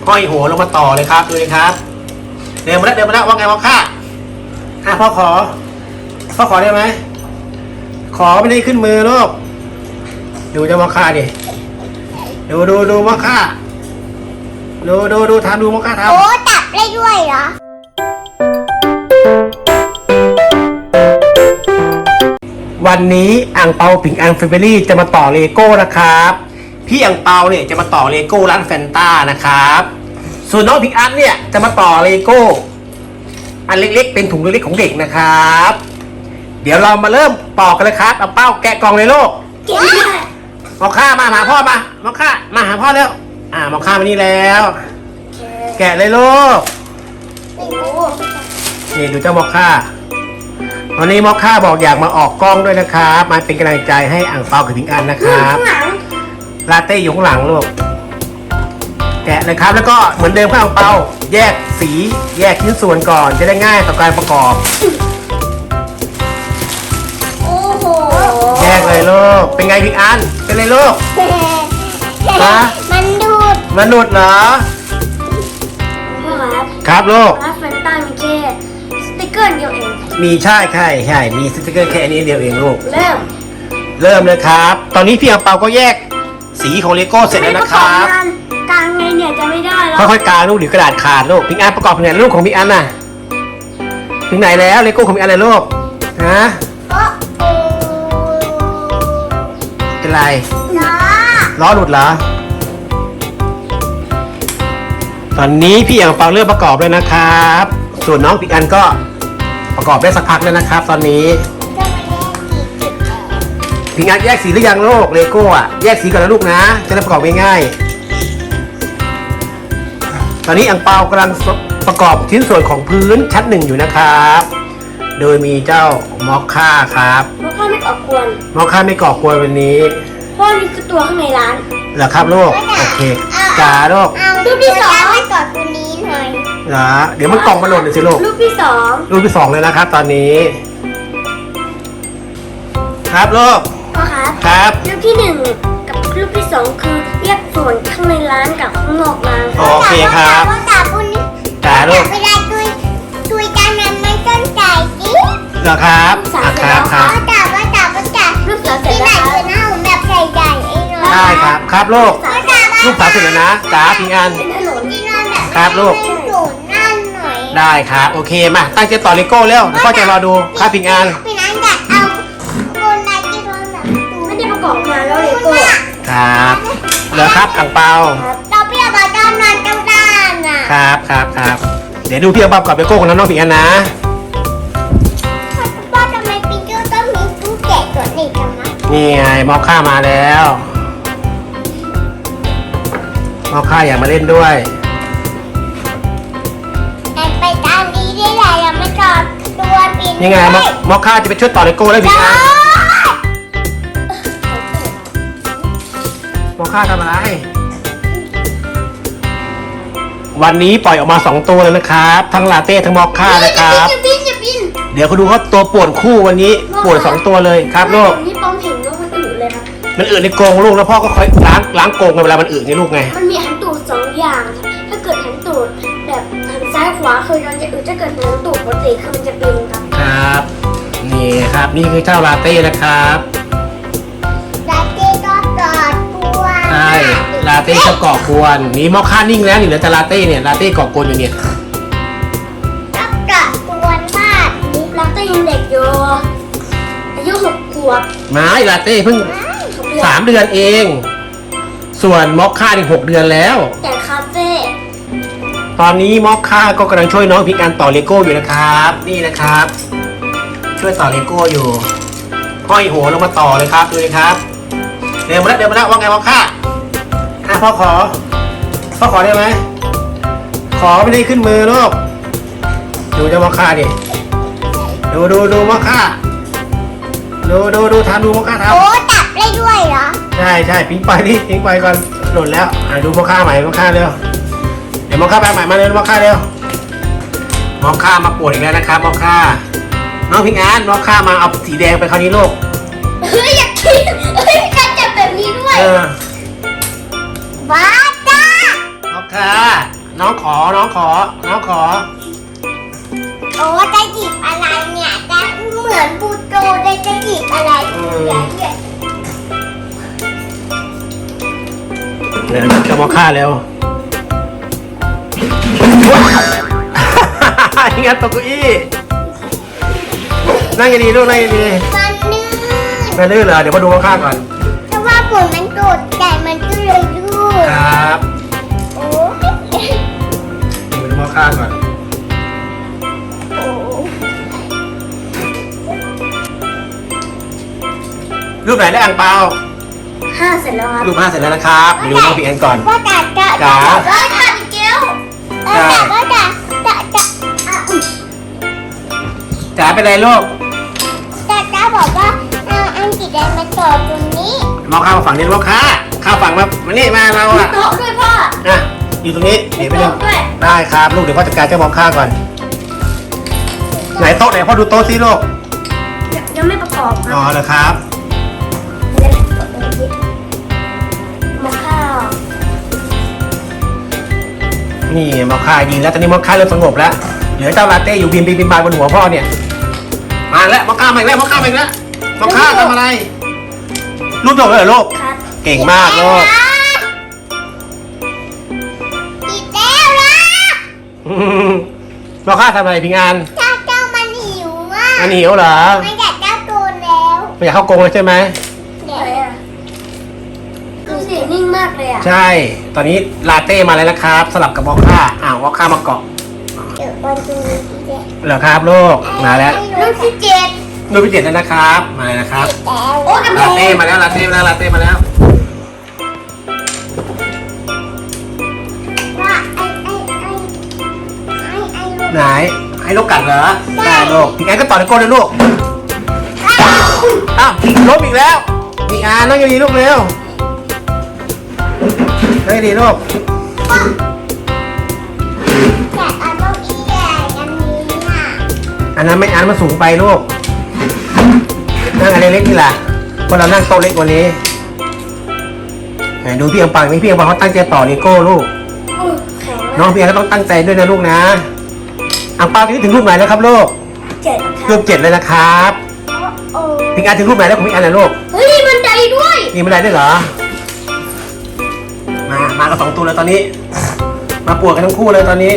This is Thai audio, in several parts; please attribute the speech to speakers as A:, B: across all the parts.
A: ห้อยหัวลงมาต่อเลยครับดูเลยครับเดินมาแล้วว่าไงมอคค่าพ่อขอได้ไหมขอไม่ได้ขึ้นมือลูกดูเจ้ามอคค่าดิดูมอคค่าดูทำดูมอคค่าทำ
B: โอ้จับได้ด้วยเหรอ
A: วันนี้อ่างเปาผิงอังแฟมิลี่จะมาต่อเลโก้นะครับพี่อ่างเปาเนี่ยจะมาต่อเลโก้ร้านแฟนต้านะครับส่วนน้องผิงอันเนี่ยจะมาต่อเลโก้อันเล็กๆเป็นถุงเล็กๆของเด็กนะครับเดี๋ยวเรามาเริ่มต่อกันเลยครับเอาเป้าแกะกล่องเลยลูกมอคค่ามาหาพ่อมามอคค่ามาหาพ่อแล้วมอคค่ามานี่แล้วแกะเลยลูกนี่ดูเจ้ามอคค่าวันนี้มอคค่าบอกอยากมาออกกล้องด้วยนะครับมาเป็นกำลังใจให้อ่างเปากับผิงอันนะครับลาเต้อยู่ข้างหลังลูกแกะเลยครับแล้วก็เหมือนเดิมครับอ่างเปาแยกสีแยกชิ้นส่วนก่อนจะได้ง่ายต่อการประกอบ
B: โอ้โห
A: แยกเลยลูกเป็นไงผิงอันเป็นไรลูก
B: มัน
A: ดูดเหรอครับลูก
B: ร้านแฟนต้ามีแค่สติ๊กเกอร์เดียวเอง
A: มีใช่มีสติ๊กเกอร์แค่นี้เดียวเองลูก
B: เริ่
A: มเลยครับตอนนี้พี่อ่างเปาก็แยกสีของเลโก้เสร็จแล้วนะครับ
B: กลางไงเนี่ยจะไม่ได้แล้ว
A: ค่อยๆกางลูกหรือกระดาษขาดลูกพิงอันประกอบงานลูกของพิงอันน่ะถึงไหนแล้วเลโก้ของพิงอันเลยลูกฮะเป็นไรล้อหลุดเหรอตอนนี้พี่อ่างเปาเริ่มประกอบเลยนะครับส่วนน้องพิงอันก็ประกอบได้สักพักแล้วนะครับตอนนี้พิงอันแยกสีหรือยังลูกเลโก้อะแยกสีก่อนนะลูกนะจะได้ประกอบง่ายๆตอนนี้อ่างเปากำลังประกอบชิ้นส่วนของพื้นชั้นหนึ่งอยู่นะครับโดยมีเจ้ามอคค่าครับ
B: มอคค่าไม่ก่อกวน
A: มอคค่าไม่ก่อกวนวันนี้
B: เพราะนี่คือตัวข้างในร้าน
A: เหรอครับลูกโอเคจ้าลูก
B: รูปที่สองไม่ก่อตัวนี้หน่อย
A: เหรอเดี๋ยวมันกล่องมาหล่นเลยสิลูก
B: รูปที่สอง
A: เลยนะครับตอนนี้ครับลูก
B: ครับรูปที่หนึ่งกับรูปที่สองคือแยกส่วนข้างในร้านกับข้างนอกร้าน
A: โอเคครับจ้าลูก
B: เวลาตุยจานนั้นไม่ต้นใจดิ
A: เหรอครับ
B: ครับรูปสาวเสร็จแล้วคือหน้าผมแบบใหญ่ๆเอง
A: ได้ครับลูกสาวเสร็จแล้วนะจ้าพิงอันครับลูกได้ครับโอเคมาตั้งใจต่อเลโก้แล้วพ่อจะรอดูครับพิงอัน
B: ไม่ได้ประกอบงานแล้วเลโก้
A: ครับเหรอครับอ่างเปา
B: เราพี่เอามาด้านนั้นเจ้าด้านน่ะ
A: ครับเดี๋ยวดูพี่เอาประกอบเลโก้ของน้องพิงอันนะ
B: พ่อทำไมปิงเกอร์ต้องมีตู้แกะตัวนี้จังนะ
A: นี่ไงมอคค่ามาแล้วมอคค่าอยากมาเล่นด้วย
B: ไปตามนี้ได้แหละยังไม่จอดตัวปิง
A: ยังไงมอคค่าจะไปช่วยต่อเลโก้แล้วพิงอันมอคค่าทำอะไรวันนี้ปล่อยออกมา2ตัวเลยนะครับทั้งลาเต้ทั้งมอคค่านะครับเดี๋ยวเขาดูเขาตัวป่วนคู่วันนี้ป่วน2ตัวเลยครับลูก
B: นี่ปองเห็นลูกมันอึเลยครับ
A: มันอึในกรงลูกแล้วพ่อก็ค่อยล้างกรงเวลามันอึนี่ลูกไง
B: มันมีหันตูด2อย่างถ้าเกิดหันตูดแบบหันซ้ายขวาคือมันจะอึถ้าเกิดหันตูดปกติคือมันจะเป็น
A: ครับนี่ครับนี่คือเจ้าลาเต้นะครับ
B: ลาเต้ก็กอดกวน
A: ใช่ลาเต้จะก่อกวนนี่มอคค่านิ่งแล้วนี่เหลือแต่ลาเต้เนี่ยลาเต้ก่อกวนอยู่เนี่ย
B: ก็กวนมากลาเต้ยังเด็กอยู่อายุ6 ขวบ
A: ไม่ลาเต้เพิ่ง3 เดือนเองส่วนมอคค่านี่6 เดือนแล้ว
B: แต่คาเฟ่
A: ตอนนี้มอคค่าก็กำลังช่วยน้องพิงอันต่อเลโก้อยู่นะครับนี่นะครับช่วยต่อเลโก้อยู่ห้อยหัวลงมาต่อเลยครับดูเลยครับเดินมาแล้วว่าไงมอคค่าพ่อขอได้ไหมขอไม่ได้ขึ้นมือลูกดูเจ้ามอคค่าดิดูมอคค่าดูทำดูมอคค่าทำ
B: โอ้จับได้ด้วยเหรอ
A: ใช่พิงไปก่อนหล่นแล้วดูมอคค่าใหม่มอคค่าเร็วเดี๋ยวมอคค่าแปลใหม่มาเลยมอคค่าเร็วมอคค่ามาปวดอีกแล้วนะครับมอคค่าน้องพิงอันมอคค่ามาเอาสีแดงไปคราวนี้ลูก
B: อยากกินการจับแบบนี้ด้วยว้าจ้าม
A: อคค่ค่ะน้องขอ
B: โอ้จะหยิบอะไรเนี่ยจะเหมือนบูโตเลยจะหยิบอะไรเนี่ย
A: เดี๋ยวจะมอค่าเร็วงั้นตกเก้าอี้นั่งดีๆลูกนั่งดี
B: มันลื่น
A: ๆไม่ลื่นเหรอเดี๋ยวมาดูมอค่าก่อน
B: แต่ว่าผลมันโดดแต่มันก็เลยลื่น
A: ครับ
B: โอ้
A: มาดูมอค่าก่อน
B: โอ้
A: รูปไหนได้อ่างเปา
B: 5 เสร็จแล้วครับ
A: รูป5เสร็จแล้วนะครับเดี๋ยวดูน้องพี่แอนก่อน
B: ว่าแต่จะ
A: จ๋า
B: ว่าแต่เกลแต่ว่าแต่อุ๊ย
A: จ๋าเป็นไรลูก
B: แต่จะบอกว่าเอาอังกฤษได้มาต่อตรงนี้
A: มอค่ามาฝั่งนี้มอค่าข้าวฝั่งมานี่มาเรา
B: มี
A: อะ
B: โต๊ะด้วยพ่อ
A: นะอยู่ตรงนี้เดี๋ยวไปเล่น
B: โต๊ะด้วย
A: ได้ครับลูกเดี๋ยวพ่อจัดการเจ้ามอค่าก่อนไหนโต๊ะไหนพ่อดูโต๊ะสิลูก
B: ยังไม่ประกอบค
A: อ๋อ
B: รับ
A: เหรอครับ
B: มะข้าว
A: นี่มอค่ายิงแล้วตอนนี้มอค่าเริ่มสงบแล้วเหลือเจ้าลาเต้อยู่บินบานบนหัวพ่อเนี่ยมาแล้วมอค่ามาอีกแล้วมอค่ามาอีกแล้วมอค่าทำอะไรรูปจบเลยเหรอลูก
B: ครับ
A: เก่งมากลูก
B: อีกแล้วนะ
A: มอค่าทำอะไรพิงอัน
B: เจ้ามันหิวมาก
A: อันหิวเหรอ
B: มันอยากเจ้าตัวแล้ว
A: ไม่อยากเข้ากรงเลยใช่ไหม
B: เดี๋ยวคือเสียงนิ่งมากเลยอ่ะ
A: ใช่ ตอนนี้ลาเต้มาแล้วนะครับ สลับกับมอค่ามอค่ามาเกาะ
B: เดี๋ยววันตรงนี้เด็ก
A: เหรอครับลูกมาแล้ว
B: ลูกที่7
A: รูปที่7แล้วนะครับมาเลยนะครับ
B: แล้วโอ้กำแพ
A: ลาง เต้มาแล้วลาเต้มาแล้วลาเต้มาแล้ว
B: ว่าไอ้
A: ไหนให้ลูกกัดเหรอได้ลูกพิงอันก็ต่อในโก้เลยลูกอ้าวล้มอีกแล้วพิงอันนั่งดีๆลูกเร็วนั่งดีๆลูก
B: แต่อันต้องอีใหญ่อันนี้อ่ะ
A: อันนั้นไม่อันมันสูงไปลูกนั่งอันเล็กๆนี่แหละเพราะเรานั่งโต๊ะเล็กกว่านี้ไหนดูพี่อังปังนี่พี่อังปังเขาตั้งใจต่อเลโก้ลูก
B: แข็ง
A: น้องพี่อังก็ต้องตั้งใจด้วยนะลูกนะอังเปาตอนนี้ถึงรูปไหนแล้วครับลูก
B: 7
A: รูป7เลยนะครับ
B: โอ้
A: พิงอันถึงรูปไหนแล้วของพิงอันนะลูก
B: เฮ้ยมันไดด้วย
A: นี่ไม่ได้ด้วยเหรอมากับ2ตัวเลยตอนนี้ มาปวดกันทั้งคู่เลยตอนนี้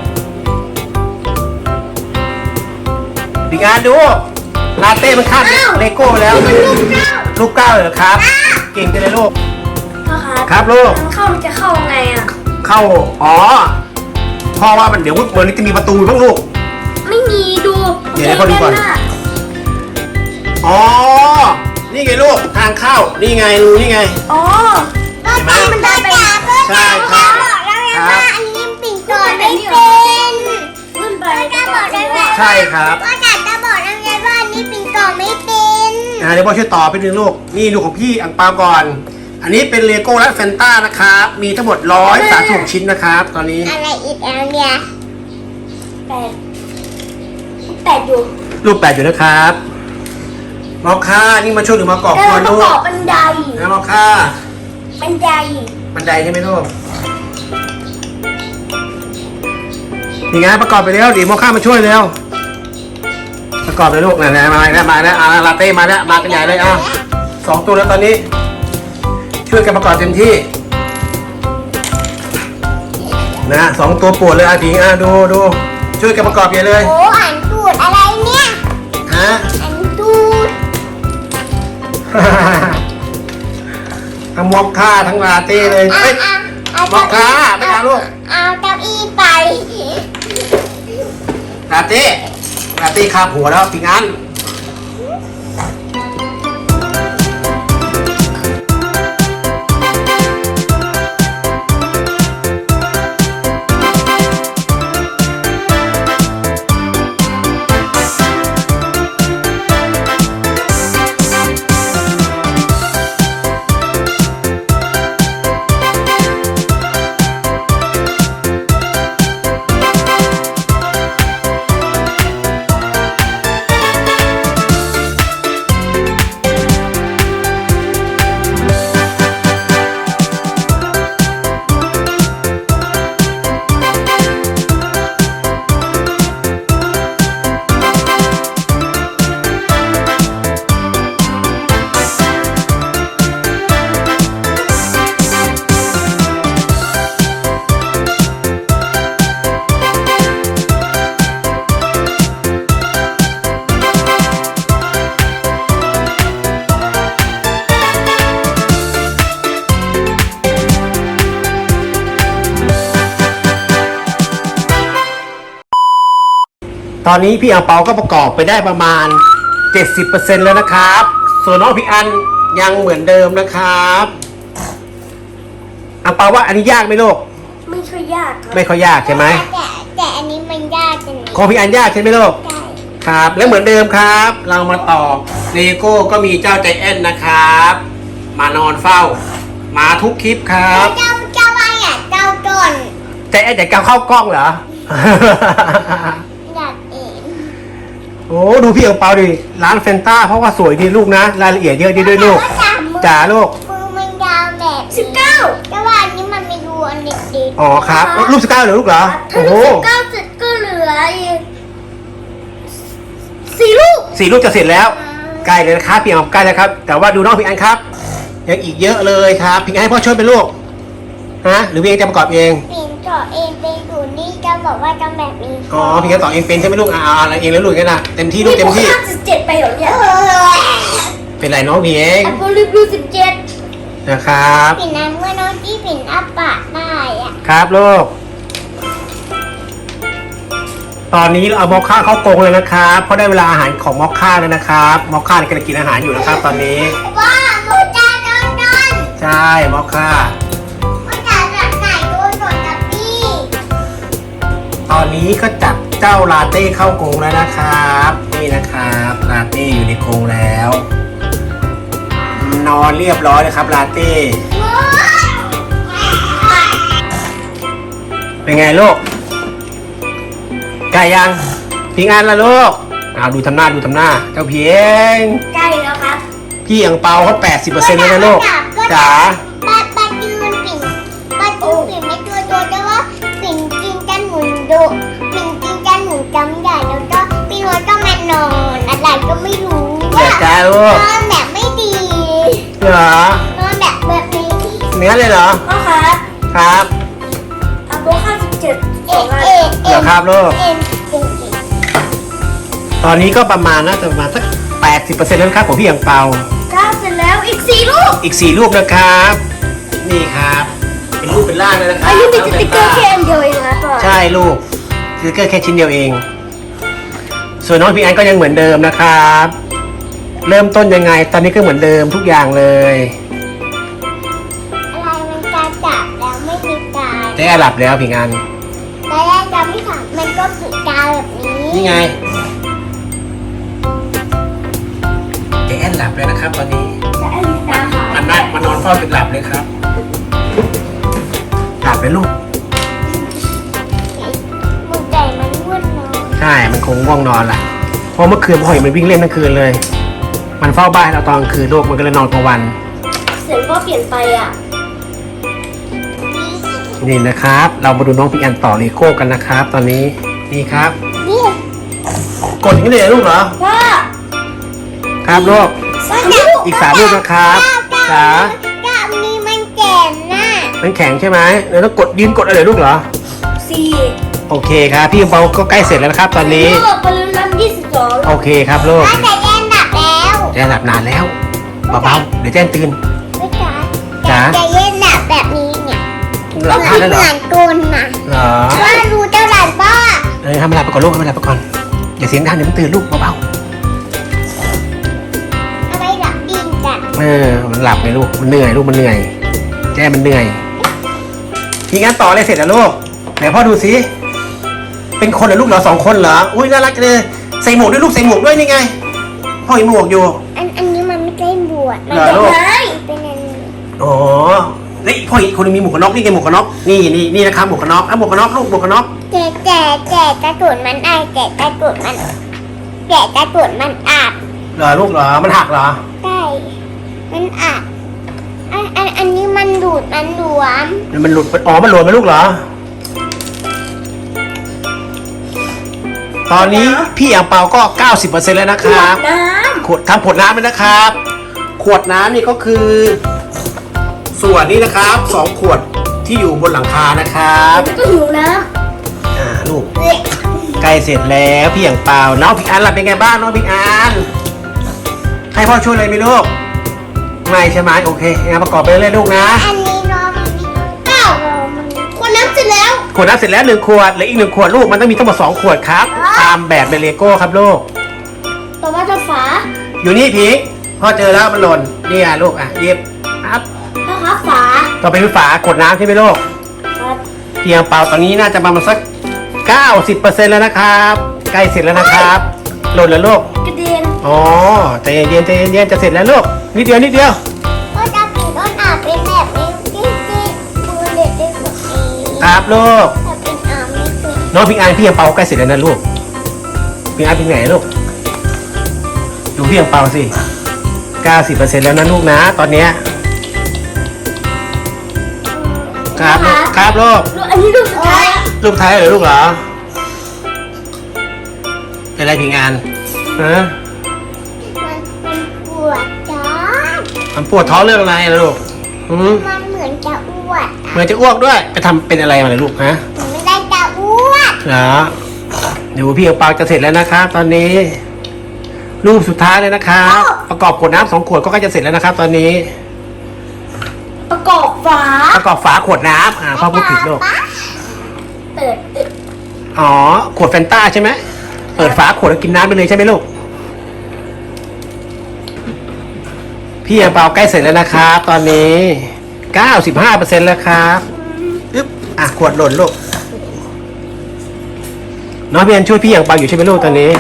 A: พิงอันดูลาเต้มันคาดเลโก้ไปแล้ว ลูกเก้าเลยเหรอครับ เก่งจังเลยลูก
B: พ่อครับ
A: ครับลูก
B: มันจะเข้าไงอ่ะ
A: เข้า อ๋อพ่อว่ามันเดี๋ยวเหมือนจะมีประตูบ้างลูก
B: ไม่มีดู
A: เดี๋ยวให้พ่อดูก่อน อ๋อ นี่ไงลูก ทางเข้า นี่ไงรูนี่ไง
B: อ๋อก็ตอนมันได้ไป
A: ใช่ครับ
B: บอกแล้วไง
A: ครั
B: ว่า
A: บ
B: อันนี้ปิ่นโตไม่เป็นขึ้นไปก็บอกได้ว่า
A: ใช่ครับ
B: ก็จะบอกแล้วไงว่าอันนี้ปิ่นโตไม่เป็น
A: เดี๋ยวพ่อช่วยต่อไปหนึ่งลูก นี่ดูของพี่อังเปาก่อน อันนี้เป็นเลโก้และแฟนต้านะครับ มีทั้งหมด136ชิ้นนะครับ ตอนนี้
B: อะไรอีกแล้วเนี่ยแปดอยู่
A: รูป8อยู่นะครับมอค่านี่มาช่วยหรือมากรอบ
B: แล้ว
A: ก่อน
B: ประ
A: ลู
B: ก
A: ก
B: อบบันได
A: นะมอค่า
B: บันได
A: บันไดใช่ไหมลูกนี่ไงประกอบไปแล้วเดี๋ยวมอค่ามาช่วยเร็วประกอบเลยลูกไหนๆมาแล้วลาเต้มาแล้วมากันใหญ่เลย2ตัวแล้วตอนนี้ ช่วยกันประกอบเต็มที่นะ2ตัวปวดเลยถิงดูช่วยกันประกอบใหญ่เลย
B: โอ้อ่านตูดอะไรเนี่ย
A: ฮะ
B: อ่านตูด
A: ทั้งมอค่าทั้งลาเต้เลยเอ้ย มอคค่าไปเอาลูก
B: เอาเก้าอี้ไป
A: ลาเต้คาบหัวแล้วปิงอันตอนนี้พี่อังเปาก็ประกอบไปได้ประมาณ 70% แล้วนะครับ ส่วนน้องพี่อันยังเหมือนเดิมนะครับอังเปาว่าอันนี้ยากไหมลูก
B: ไม่ค่อยยากครับ
A: ไม่ค่อยยากใช่ไหม
C: แต่อันนี้มันยากจัง
A: ของพี่อันยากใช่ไหมลูก
C: ใช่
A: ครับ และเหมือนเดิมครับ เรามาต่อเลโก้ก็มีเจ้าใจแอนนะครับ มานอนเฝ้า มาทุกคลิปครับ
C: เจ้าว่าอยากเจ้าก่อน
A: ใจแอนจะก้าวเข้ากล้องเหรอ
C: อยากเอง
A: โอ้ดูพี่อังเปาดิร้านแฟนต้าเพราะว่าสวยดีลูกนะ รายละเอียดเยอะดีด้วยลูกจ๋าลูก
C: มือมันยาวแบบ
B: 19
C: แต่ว่าอันนี้มันไม่รู้อันเด็กๆ
A: อ๋อครับรูปสก้าเหรอลูกเหรอ
B: ถ้า
A: โอ้
B: ลู
A: โห
B: ก19เสร็จก็เหลืออีก4 ลูก
A: 4 ลูกจะเสร็จแล้ว ใกล้เลยนะครับพี่อังใกล้แล้วครับ แต่ว่าดูน้องพี่อันครับ ยังอีกเยอะเลยครับพี่อันให้พ่อช่วยเป็นลูกฮะหรือพี่อันจะประกอบเอง
C: ปิ่นเจาะเองไปอยู่นี่จะบอกว่าทำแบบนี้
A: อ๋อพี่อันต่อเองเป็นใช่ไหมลูกอะไรเองแล้วลูกกันนะเต็มที่ลูกเต็มที่
B: 57ไปเหรอเนี่ย
A: เป็นไรน้องพี่เอง
B: แอปเปิลรีวิว17
A: นะครับ
C: ปิ่นนั้นเมื่อน้องที่ปิ่นอัปปะได้อะ
A: ครับลูกตอนนี้เราเอามอคค่าเข้ากรงเลยนะครับเพราะได้เวลาอาหารของมอคค่าแล้วนะครับมอคค่าเนี่ยกำลังกินอาหารอยู่นะครับ ตอนนี้
C: ว่ามูจะโดน
A: ใช่มอคค่า
C: มูจะรักไหนโดนกับพี่
A: ตอนนี้ก็จับเจ้าลาเต้เข้ากรงแล้วนะครับนี่นะครับลาเต้อยู่ในกรงแล้ว นอนเรียบร้อยนะครับลาเต้เป็นไงลูกใกล้ยังพิงอันละลูกดูทำหน้าเจ้าเพียง
B: ใกล้แล้วครับ
A: พี่อังเปาเขา80%แล้วนะลูกจ๋า
C: ปาจืนปิ่นไม่ตัวแต่ว่าปิ่นกินกันหมุนปิ่นกินกันหมุนจำใหญ่แล้วก็พี่นวลก็มานอนอะไรก็ไม่รู้
A: เดี๋ยวจ้าลูก
C: นอนแบบไม่ดี
A: เหรอน
C: อนแบบนี้
A: เนื้อเลยเหรอ
B: พ่อครับ
A: ครับ
B: แอปเปิล57
C: เอ็น
A: เหรอครับลูก
C: เอ็น
A: ตอนนี้ก็ประมาณน่าจะประมาณสัก80%แล้วนะครับของพี่อังเปา
B: 9 เสร็จแล้วอีก 4 ลูก
A: อีก4รูปนะครับ นี่ครับ เป็นรูปเป็นร่างเลยนะครับ
B: อายุมีสติ๊กเกอร์แค่อันเดียวเองนะพ่อ
A: ใช่ลูกสติ๊กเกอร์แค่ชิ้นเดียวเอง ส่วนน้องพี่อันก็ยังเหมือนเดิมนะครับ เริ่มต้นยังไง ตอนนี้ก็เหมือนเดิมทุกอย่างเลย
C: อะไรมันการจับแล้วไม่มีการ
A: ได้หลับแล้วพี่อัน
C: แต่แรกจะไม่ถามมันก็คือการแบบนี้
A: นี่ไงเจ๊แอนหลับแล้วนะครับ ตอนนี้
B: จะให้ตาหา
A: มันนอนเฝ้าจนหลับเลยครับ หลับไปลูก
C: มือใจมันวุ่นเนาะ
A: ใช่ มันคงง่วงนอนแหละเพราะเมื่อคืนพ่อเห็นมันวิ่งเล่นทั้งคืนเลย มันเฝ้าบ้านเราตอนกลางคืนลูกมันก็เลยนอนกลางวัน
B: เสียงพ่อเปลี่ยนไปอ่ะ
A: นี่นะครับ เรามาดูน้องพี่อันต่อเลโก้กันนะครับ ตอนนี้ นี่ครับ
C: นี่
A: กดอย่างนี้เลยเหรอลูกเหรอ
B: พ่อ
A: ครับลูก
B: ลูก
A: อีก3ลูกนะครับจ๋า
C: กับนี้มันแก่นน่ะ
A: มันแข็งใช่ไหมแล้วต้องกดยืนกดอะไรลูกเหรอ
B: 4
A: โอเคครับ พี่อังเปาก็ใกล้เสร็จแล้วนะครับ ตอนนี้
B: ลูกบอลลูนลำ22
A: โอเคครับลูก
C: ถ้าแต่แย่ดับแล้ว
A: แจ้หลับนานแล้วเบาๆเดี๋ยวแจ้งตื่น
C: ไม่จ๋า
A: จ๋า
C: แต่แย่ดับแบบนี้เนี่ย
A: หลับนานแล้วเหรอ
C: เหมือนตุนน่ะ
A: เหรอ
C: ว่ารู้เจ้าหลานป้า
A: ทำอะไรไปก่อนลูกทำอะไรไปก่อนอย่าเสียงดังเดี๋ยวมันตื่นลูกเบา
C: เอาไปหลับดินกัน
A: ๆมันหลับไงลูกมันเหนื่อยลูกมันเหนื่อย แจ้มันเหนื่อยพี่งั้นต่ออะไรเสร็จแล้วลูกไหนพ่อดูสิเป็นคนเหรอลูกเหรอ2 คนเหรออุ้ยน่ารักเลยใส่หมวกด้วยลูกใส่หมวกด้วยนี่ไงพ่อมีหมวกอยู่
C: อันนี้มันไม่ใช่บวชมัน
A: เหรอลูก
B: ไม้
C: เป็นอันนี้
A: อ๋อนี่พ่ออีกคนนึงมีหมวกกันน็อกนี่ไงหมวกกันน็อกนี่นะครับหมวกกันน็อกหมวกกันน็อกลูกหมวกกันน็อก
C: แต่กระตุนมันไอแต่กระตุนมันอาบ
A: เหรอลูกเหรอมันหักเหรอ
C: ใช่มันอาบอันนี้มันดูดมันหลวม
A: มันหลุดอ๋อมันหลุดไหมลูกเหรอตอนนี้พี่อ่างเปาก็ 90% แล้วนะครับ
B: น้
A: ขวดทำขวดน้ำเลยนะครับ ขวดน้ำนี่ก็คือ ส่วนนี้นะครับ2 ขวดที่อยู่บนหลังคานะครับ
B: ำแล้วก็หิวน้
A: ลูกใกล้เสร็จแล้วพี่อย่างเปล่าน้องพี่อันหลับเป็นไงบ้างน้องพี่อันให้พ่อช่วยเลยไหมลูกไม่ใช่ไหมโอเคงั้นประกอบไปเรื่อยๆลูกนะ
C: อันนี้รอมันนี่เก้ารอมัน
B: ำคนน้ำำเสร็จแล้ว
A: ขวดน้ำเสร็จแล้ว1 ขวดเหลืออีก1 ขวดลูกมันต้องมีทั้งหมด2 ขวดครับตามแบบในเลโก้ครับลูก
B: ต่อมาจะฝา
A: อยู่นี่พิงพ่อเจอแล้วมันหล่นนี่อ่ะลูกอ่ะหยิบครับ
B: ถ้าครับฝา
A: ต่อไปเป็นฝาขวดน้ำใช่ไหมลูก
B: ครับ
A: พี่อังเปาตอนนี้น่าจะประมาณสัก 90% แล้วนะครับใกล้เสร็จแล้วนะครับหล่นแล้วลูก
B: กระเด็น
A: อ๋อใจเย็นๆใจเย็นๆจะเสร็จแล้วลูกนิดเดียวนิดเดียว
C: ก็จะปิดต้นอาจเป็นแบบนี้ที่ดูเด็กได้แบบนี้
A: ครับลูก
C: แต่เป็นอาไม่เป็น
A: น้องพิงอันพี่อังเปาใกล้เสร็จแล้วนะลูกพิงอันเป็นไงลูกดูพี่อังเปาสิ 90% แล้วนะลูกนะตอนเนี้ยครับลูกครับลูก
B: ลูกอันนี้ลูกสุดท้าย
A: ลูกท้ายเหรอลูกเหรอเป็นไรพิงอันฮะ
C: มันปวดจ้า
A: มันปวดท้องเรื่องอะไรล่ะลูกหืม
C: มันเหมือนจะอ้วก
A: เหมือนจะอ้วกด้วยไปทำเป็นอะไรมาเลยลูกฮะ
C: มันไม่ได้จะอ้วก
A: เหรอเดี๋ยวพี่อังเปาจะเสร็จแล้วนะครับตอนนี้ รูปสุดท้ายเลยนะครับประกอบขวดน้ำ2 ขวดก็ใกล้จะเสร็จแล้วนะครับ ตอนนี้
B: ประกอบฝา
A: ประกอบฝาขวดน้ำพ่อพูดผิดลูก
B: เปิด
A: อ๋อขวดแฟนต้าใช่ไหมเปิดฝาขวดแล้วกินน้ำไปเลยใช่ไหมลูกพี่อังเปาใกล้เสร็จแล้วนะครับตอนนี้ 95% แล้วครับอึ๊บขวดหล่นลูกน้องพี่อันช่วยพี่อังเปาอยู่ใช่ไหมลูกตอนนี้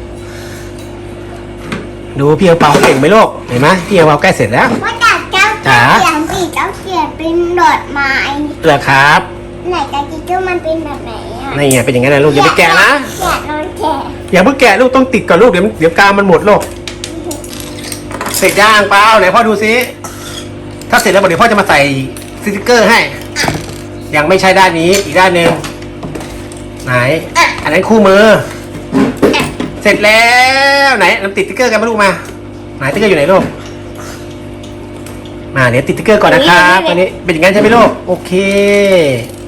A: ดูพี่อังเปาเขาเก่งไหมลูกเห็นไหมพี่อังเปาใกล้เสร็จแล้ว
C: ว่าจากเจ้า
A: จ๋า
C: เขียนสีเจ้าเขียนเป็นดอกไม้
A: เหรอครับ
C: ไหนกาจิโก้มันเป็นแบบไหนอ่ะ
A: นี่ไงเป็นอย่างนั้นนะลูกอย่าไปแกะนะ
C: แกะนอนแกะ
A: อย่าเพิ่งแกะลูกต้องติดก่อนลูกเดี๋ยวกาวมันหมดลูกเสร็จย่างเปล่าไหนพ่อดูซิถ้าเสร็จแล้วเดี๋ยวพ่อจะมาใส่สติ๊กเกอร์ให้ยังไม่ใช่ด้านนี้อีกด้านหนึ่งไหนอันนั้นคู่มือเสร็จแล้วไหนนำติดสติ๊กเกอร์กันมาลูกมาไหนสติ๊กเกอร์อยู่ไหนลูกมาเดี๋ยวติดสติ๊กเกอร์ก่อนนะครับตอนนี้เป็นอย่างนั้นใช่ไหมลูกโอเค